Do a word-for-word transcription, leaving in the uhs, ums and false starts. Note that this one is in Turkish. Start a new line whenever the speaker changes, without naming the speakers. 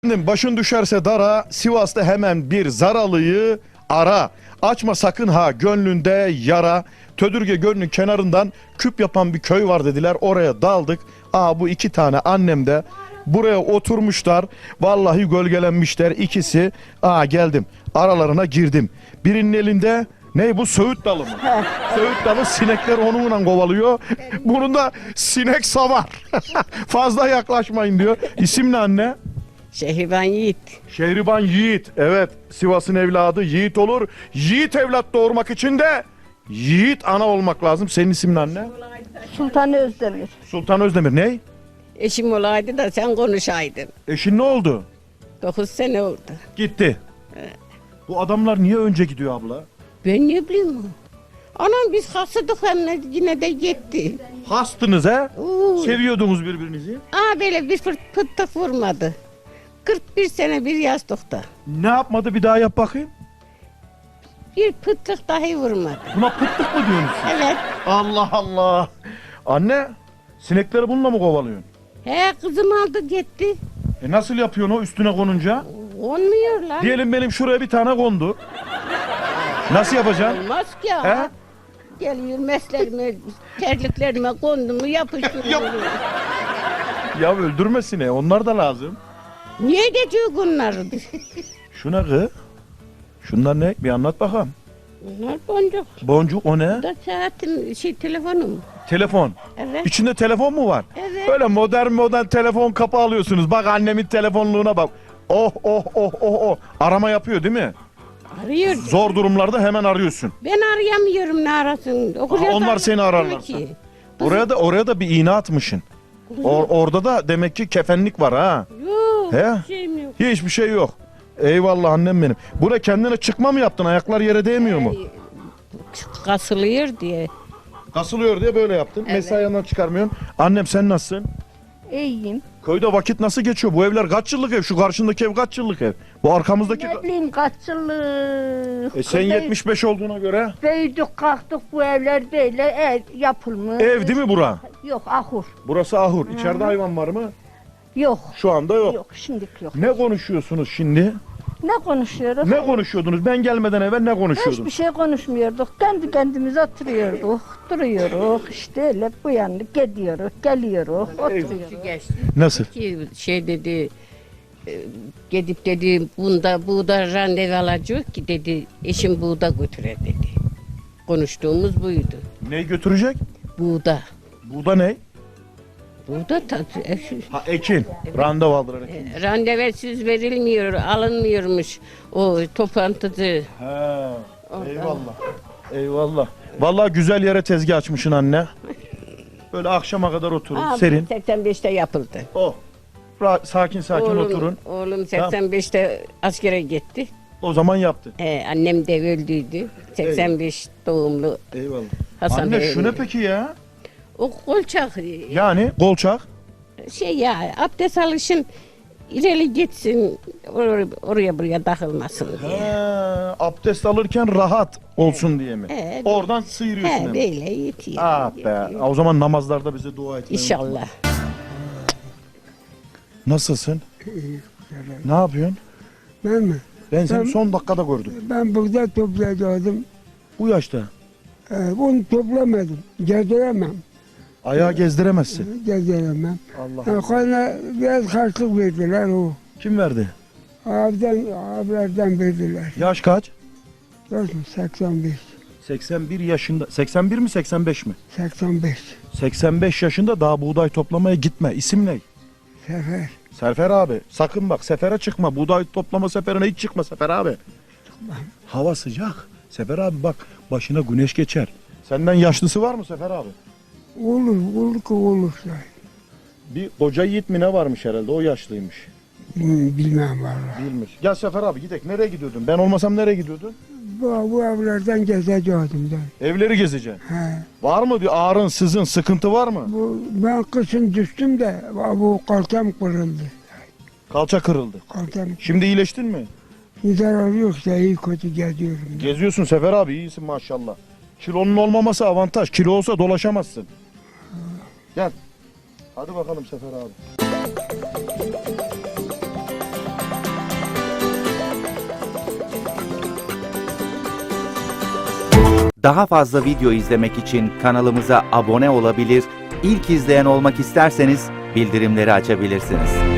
Başın düşerse dara, Sivas'ta hemen bir zaralıyı ara. Açma sakın ha gönlünde yara. Tödürge Gölü'nün kenarından küp yapan bir köy var dediler. Oraya daldık. Aa bu iki tane annem de buraya oturmuşlar. Vallahi gölgelenmişler ikisi. Aa geldim. Aralarına girdim. Birinin elinde ne bu söğüt dalı mı? Söğüt dalı, sinekler onunla kovalıyor. Bunun da sinek savar. Fazla yaklaşmayın diyor. İsim ne anne?
Şehriban Yiğit.
Şehriban Yiğit. Evet, Sivas'ın evladı Yiğit olur. Yiğit evlat doğurmak için de Yiğit ana olmak lazım. Senin ismin anne?
Sultan Özdemir.
Sultan Özdemir. Ne?
Eşim olaydı da sen konuşaydın.
Eşin ne oldu?
Dokuz sene oldu.
Gitti. Bu adamlar niye önce gidiyor abla?
Ben ne bileyim. Anam biz hasıdık hem de yine de gitti.
Hastınız he?
Oo.
Seviyordunuz birbirinizi.
Aa böyle bir fırt pıttık vurmadı. kırk bir sene bir yastıkta.
Ne yapmadı bir daha yap bakayım.
Bir pıttık dahi vurmadı.
Buna pıttık mı diyorsunuz?
Evet.
Allah Allah. Anne, sinekleri bununla mı kovalıyorsun?
He kızım aldı gitti.
E nasıl yapıyorsun o üstüne konunca?
Olmuyor lan.
Diyelim benim şuraya bir tane kondu. Nasıl yapacaksın?
Olmaz ki ya.
He?
Geliyor meslerime, terliklerime kondu mu yapıştırıyor.
Yap. Ya öldürme sineği, onlar da lazım.
Niye geçiyor bunları?
Şu ne kız? Şunlar ne? Bir anlat bakalım.
Bunlar boncuk.
Boncuk o ne?
Bu da saatin şey telefonum.
Telefon.
Evet.
İçinde telefon mu var?
Evet.
Böyle modern modern telefon kapı alıyorsunuz. Bak annemin telefonluğuna bak. Oh oh oh oh oh. Arama yapıyor değil mi?
Arıyor.
Zor durumlarda hemen arıyorsun.
Ben arayamıyorum ne arasın. Okur
Aha,
yazar
onlar seni
yapmıyor
ararlar.
ki.
Oraya da oraya da bir iğne atmışsın. Or- orada da demek ki kefenlik var ha.
Yok.
He?
Bir şeyim yok.
Hiçbir şey yok. Eyvallah annem benim. Buraya kendine çıkma mı yaptın? Ayaklar yere değmiyor mu?
Kasılıyor diye.
Kasılıyor diye böyle yaptın.
Evet.
Mesai yanından çıkarmıyorsun. Annem sen nasılsın?
İyiyim.
Köyde vakit nasıl geçiyor? Bu evler kaç yıllık ev? Şu karşındaki ev kaç yıllık ev? Bu arkamızdaki...
Ne bileyim kaç yıllık.
E sen
Büyü-
yetmiş beş olduğuna göre
Büyüdük kalktık bu evler böyle ev yapılmış.
ev değil mi bura?
Yok ahur.
Burası ahur. İçeride hayvan var mı?
Yok.
Şu anda yok.
Yok şimdilik yok.
Ne konuşuyorsunuz şimdi?
Ne konuşuyoruz?
Ne konuşuyordunuz? Ben gelmeden evvel ne konuşuyordunuz?
Hiçbir şey konuşmuyorduk. Kendi kendimize oturuyorduk. Duruyoruz. İşte öyle bu yanlık gidiyoruz. Geliyoruz. Oturuyoruz.
Geçti.
Nasıl?
Ki şey dedi, e, gidip dedi bunda buğda randevu alacak ki dedi eşim buğda götüre dedi. Konuştuğumuz buydu.
Neyi götürecek?
Buğda.
Burada ne?
Buğda ta, e,
Ha ekin. Randevu aldılar ekin.
e, randevusuz verilmiyor, alınmıyormuş o toplantıda.
He. Eyvallah. Eyvallah. Vallahi güzel yere tezgah açmışsın anne. Böyle akşama kadar oturun.
Aa,
Serin.
seksen beşte yapıldı.
Oh. Ra- sakin sakin
oğlum,
oturun.
Oğlum seksen beşte askere gitti.
O zaman yaptın.
Ee, annem de öldüydü. seksen beş doğumlu
Eyvallah.
Hasan
Anne
Bey
şu ne
öldü.
peki ya?
O kolçak e,
Yani kolçak.
şey ya abdest alışın ileri gitsin oraya, oraya buraya takılmasın
He,
diye.
abdest alırken rahat olsun diye mi?
He,
Oradan sıyırıyorsun
He
hemen.
böyle yetiyor.
Ah be. O zaman namazlarda bize dua etmeyi unutma.
İnşallah.
Nasılsın? Ne yapıyorsun?
Ben mi?
Ben seni
Ben-
son dakikada gördüm.
Ben burada toplayacaktım.
Bu yaşta.
Ee, onu toplamadım. Gezdiremem.
Ayağı gezdiremezsin.
Gezdiremem.
Allah
Yani kana biraz karşılık verdiler o.
Kim verdi?
Abiden, abilerden verdiler.
Yaş kaç?
Gördün mü? seksen beş.
seksen bir yaşında. seksen bir mi seksen beş mi?
seksen beş.
seksen beş yaşında daha buğday toplamaya gitme. İsim ne?
Sefer.
Sefer abi. Sakın bak sefere çıkma. Buğday toplama seferine hiç çıkma Sefer abi. Hava sıcak. Sefer abi bak başına güneş geçer. Senden yaşlısı var mı Sefer abi?
Olur, olur ki olur.
Bir koca yiğit mi ne varmış herhalde o yaşlıymış.
Bilmem, bilmem vallahi.
Bilmiş. Gel Sefer abi gidelim. Nereye gidiyordun? Ben olmasam nereye gidiyordun?
Bu, bu evlerden gezecektim ben.
Evleri gezeceksin.
He.
Var mı bir ağrın, sızın, sıkıntı var mı?
Bu, ben kışın düştüm de bu kalçam kırıldı.
Kalça kırıldı.
Kalçam
Şimdi iyileştin mi?
zarar yoksa iyi kötü geziyorum. ben.
Geziyorsun Sefer abi iyisin maşallah. Kilonun olmaması avantaj. Kilo olsa dolaşamazsın. Gel. Hadi bakalım Sefer abi.
Daha fazla video izlemek için kanalımıza abone olabilir, ilk izleyen olmak isterseniz bildirimleri açabilirsiniz.